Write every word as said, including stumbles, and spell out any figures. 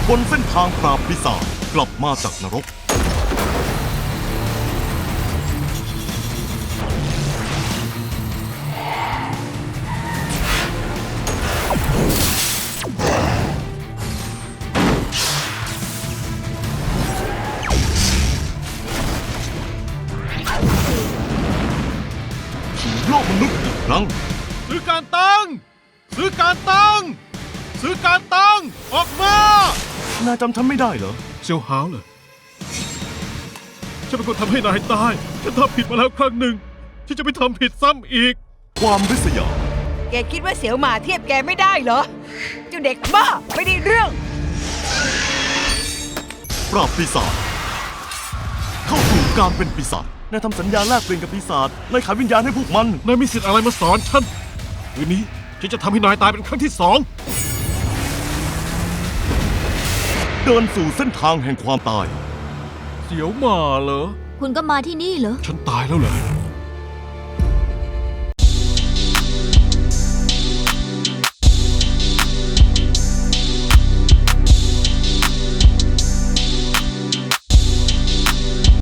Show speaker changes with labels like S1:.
S1: บนเส้นทางปราบปีศาจกลับมาจากนรกสู่โลกมนุษย์อีกครั้ง
S2: ซื้อการตั้งซื้อการตั้งซื้อการตั้งออกมาน
S1: ายจำฉันไม่ได้เหรอ
S2: เซียวหาวเหรอฉันเป็นคนทำให้นายตายฉันทำผิดมาแล้วครั้งหนึ่งที่จะไม่ทำผิดซ้ำอีก
S1: ความริษยา
S3: แกคิดว่าเสี่ยวหมาเทียบแกไม่ได้เหรอ เจ้าเด็กบ้าไม่ได้เรื่อง
S1: ปราบปีศาจเข้าสู่การเป็นปีศาจนายทำสัญญาแลกเปลี่ยนกับปีศาจนายขายวิญญาณให้พวกมัน
S2: นายมีสิทธิ์อะไรมาสอนฉันคืนนี้ฉันจะทำให้นายตายเป็นครั้งที่สอง
S1: เดินสู่เส้นทางแห่งความตาย
S2: เสียวหมาเหรอ
S4: คุณก็มาที่นี่เหรอ
S2: ฉันตายแล้วเหรอ